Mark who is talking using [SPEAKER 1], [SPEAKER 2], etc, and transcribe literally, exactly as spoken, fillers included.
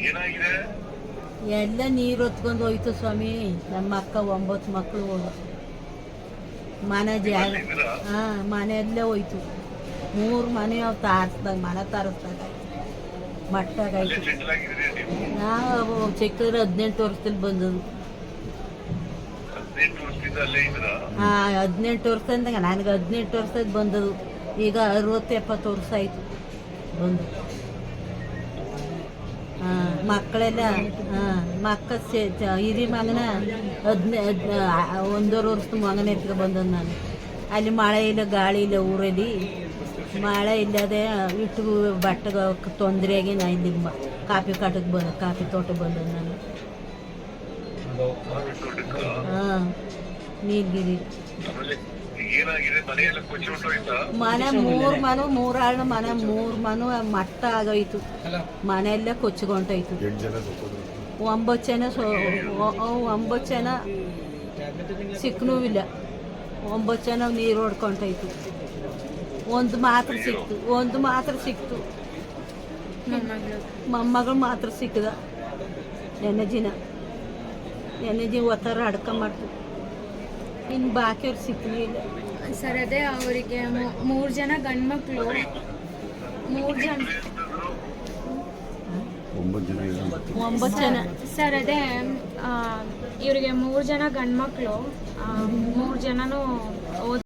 [SPEAKER 1] ಎಲ್ಲ ನೀರು ಹೊತ್ಕೊಂಡು ಹೋಯ್ತು ಸ್ವಾಮಿ. ನಮ್ಮ ಅಕ್ಕ ಒಂಬತ್ತು ಮಕ್ಕಳು ಹೋದ ಮನೆ ಜಾಗ ಹಾಂ ಮನೆಯಲ್ಲೇ ಹೋಯ್ತು. ಮೂರು ಮನೆ ಅವು ತಾರಿಸ್ದಾಗ ಮನೆ ತಾರಿಸ್ದಾಗ ಮಟ್ಟಾಗಾಯ್ತು. ನಾವು ಚಿಕ್ಕದ್ರೆ ಹದಿನೆಂಟು ವರ್ಷದಲ್ಲಿ ಬಂದದು. ಹಾಂ ಹದಿನೆಂಟು ವರ್ಷದಿಂದ ನನಗೆ ಹದಿನೆಂಟು ವರ್ಷದ ಬಂದದು. ಈಗ ಅರವತ್ತು ಎಪ್ಪತ್ತು ವರ್ಷ ಆಯಿತು ಬಂದು. ಹಾಂ ಮಕ್ಕಳೆಲ್ಲ ಹಾಂ ಮಕ್ಕ ಹಿರಿ ಮಗನ ಹದಿನೈ ಒಂದೂವರೆ ವರ್ಷದ ಮಗನ ಎತ್ಕೊ ಬಂದದ್ದು ನಾನು. ಅಲ್ಲಿ ಮಳೆ ಇಲ್ಲ ಗಾಳಿ ಇಲ್ಲ ಊರಲ್ಲಿ. ಮಳೆ ಇಲ್ಲದೆ ಇಟ್ಟು ಬಟ್ಟೆಗೆ ತೊಂದರೆಯಾಗಿ ನಾ ಇಲ್ಲಿ ಕಾಫಿ ಕಾಟಕ್ಕೆ ಬಂದ ಕಾಫಿ ತೋಟಕ್ಕೆ ಬಂದದ್ದು ನಾನು. ಹಾಂ ನೀಲಗಿರಿ ಮನೆ ಮೂರು ಮನೆ ಮೂರಾಳ ಮನೆ ಮೂರು ಮನೆ ಮಟ್ಟ ಆಗೋಯ್ತು. ಮನೆಯಲ್ಲೇ ಕೊಚ್ಚಿಕೊಂಡೋಯ್ತು. ಒಂಬತ್ತು ಜನ ಸೊ ಒಂಬತ್ತು ಜನ ಸಿಕ್ಕನೂ ಇಲ್ಲ. ಒಂಬತ್ತು ಜನ ನೀರು ಹೊಡ್ಕೊಂಡೋಯ್ತು. ಒಂದು ಮಾತ್ರ ಸಿಕ್ತು ಒಂದು ಮಾತ್ರ ಸಿಕ್ತು ಮೊಮ್ಮಗಳು ಮಾತ್ರ ಸಿಕ್ಕದ. ನೆನ್ನೆ ದಿನ ನೆನ್ನೆ ದಿನ ಒತ್ತರ ಅಡ್ಕೊಂಬಾರ್ದು. ಇನ್ನು ಬಾಕಿಯವ್ರು ಸಿಕ್ಕಲೇ ಇಲ್ಲ
[SPEAKER 2] ಸರ್. ಅದೇ ಅವರಿಗೆ ಮೂರು ಜನ ಗಂಡು ಮಕ್ಕಳು ಮೂರು ಜನ
[SPEAKER 1] ಒಂಬತ್ತು ಜನ
[SPEAKER 2] ಸರ್. ಅದೇ ಇವರಿಗೆ ಮೂರು ಜನ ಗಂಡು ಮಕ್ಕಳು ಮೂರು ಜನನೂ ಹೋದ